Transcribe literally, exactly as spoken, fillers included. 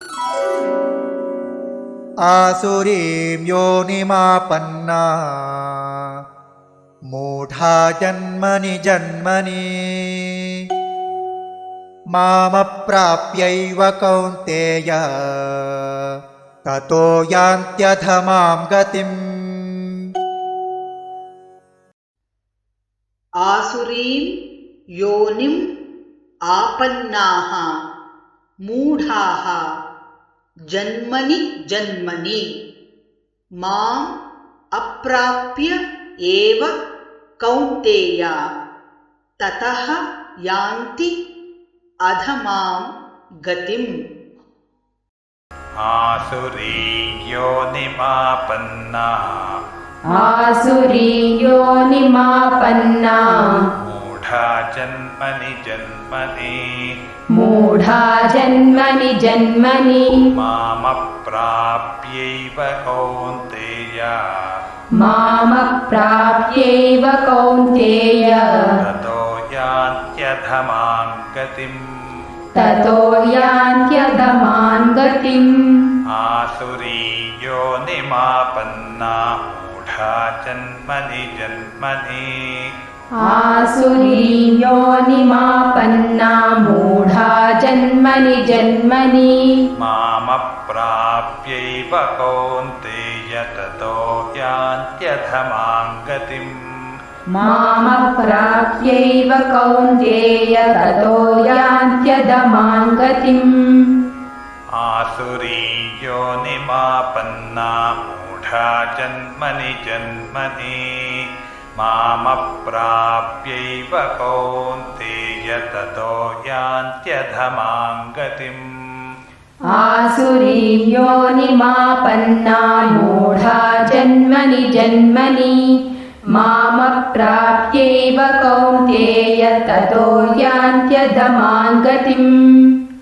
आसुरीं योनिमापन्ना मूढा जन्मनि जन्मनि मामप्राप्यैव कौन्तेय ततो यान्त्यधमां गतिम्। आसुरीं योनिम् आपन्नाः मूढाः जन्मनि जन्मनि माम् अप्राप्य एव कौन्तेय ततः यान्ति अधमां गतिम्। आसुरीं योनिमापन्ना आसुरीं योनिमापन्ना मूढा जन्मनि जन्मनि मूढा जन्मनि जन्मनि मामप्राप्यैव कौन्तेय मामप्राप्यैव कौन्तेय ततो यान्त्यधमां गतिम्। ततो यान्त्यधमां गतिम्। आसुरीं योनिमापन्ना मूढा जन्मनि जन्मनि आसुरीं योनिमापन्ना मूढा जन्मनि जन्मनि मामप्राप्यैव कौन्तेय ततो यान्त्यधमां गतिम्। मामप्राप्यैव कौन्तेय ततो यान्त्यधमां गतिम्। आसुरीं योनिमापन्ना मूढा जन्मनि जन्मनि मामप्राप्यैव कौन्तेय ततो यान्त्यधमां गतिम्। आसुरीं योनिमापन्ना मूढा जन्मनि जन्मनि मामप्राप्यैव कौन्तेय ततो यान्त्यधमां गतिम्।